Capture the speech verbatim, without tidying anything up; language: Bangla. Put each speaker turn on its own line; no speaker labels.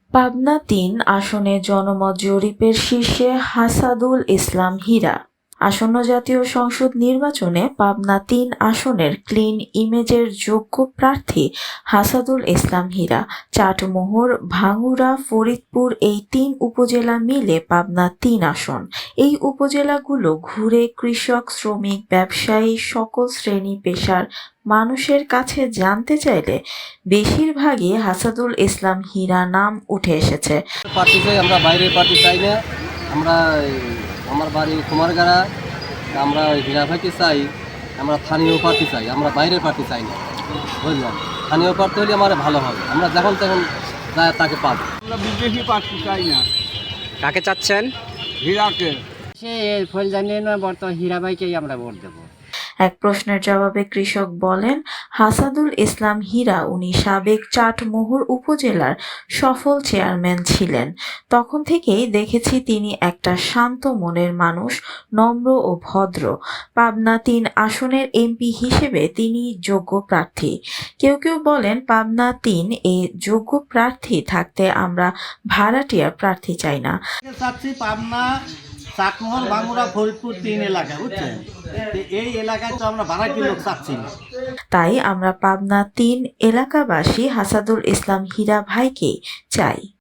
পাবনা তিন আসনে জনমত জরিপের শীর্ষে হাসাদুল ইসলাম হীরা। আসন্ন জাতীয় সংসদ নির্বাচনে পাবনা তিন আসনের ক্লিন ইমেজের যোগ্য প্রার্থী হাসাদুল ইসলাম হীরা। চাটমোহর, ভাঙ্গুড়া, ফরিদপুর এই তিন উপজেলা মিলে পাবনা তিন আসন। এই উপজেলাগুলো ঘুরে কৃষক, শ্রমিক, ব্যবসায়ী, সকল শ্রেণী পেশার মানুষের কাছে জানতে চাইলে বেশিরভাগই হাসাদুল ইসলাম হীরা নাম উঠে এসেছে।
পার্টি চাই, আমরা বাইরের পার্টি চাই না। আমরা আমার বাড়ি কুমারগাড়া, আমরা হীরা ভাইকে চাই। আমরা স্থানীয় পার্টি চাই, আমরা বাইরের পার্টি চাই না। বুঝলাম, স্থানীয় পার্টি হলে আমার ভালো হবে, আমরা যখন তখন যায় তাকে পাবো।
আমরা বিদেশি পার্টি চাই না।
কাকে চাচ্ছেন?
হীরাকে।
সে ফল জানিয়ে নয়, বর্তমান হীরা ভাইকেই আমরা ভোট দেবো।
এক প্রশ্নের জবাবে কৃষক বলেন, হাসাদুল ইসলাম হীরা উনি সাবেক চাটমোহর উপজেলার সফল চেয়ারম্যান ছিলেন। তখন থেকেই দেখেছি তিনি একটা শান্ত মনের মানুষ, নম্র ও ভদ্র। পাবনা তিন আসনের এমপি হিসেবে তিনি যোগ্য প্রার্থী। কেউ কেউ বলেন পাবনা তিন এ যোগ্য প্রার্থী থাকতে আমরা ভাড়াটিয়া প্রার্থী চাই না।
চাচ্ছি পাবনা, চাটমোহর, ভাঙ্গুড়া, ফরিদপুর তিন এলাকা, বুঝছেন? এই এলাকায় তো আমরা ভাড়াটি লোক চাচ্ছি না।
তাই আমরা পাবনা তিন এলাকাবাসী হাসাদুল ইসলাম হীরা ভাইকে চাই।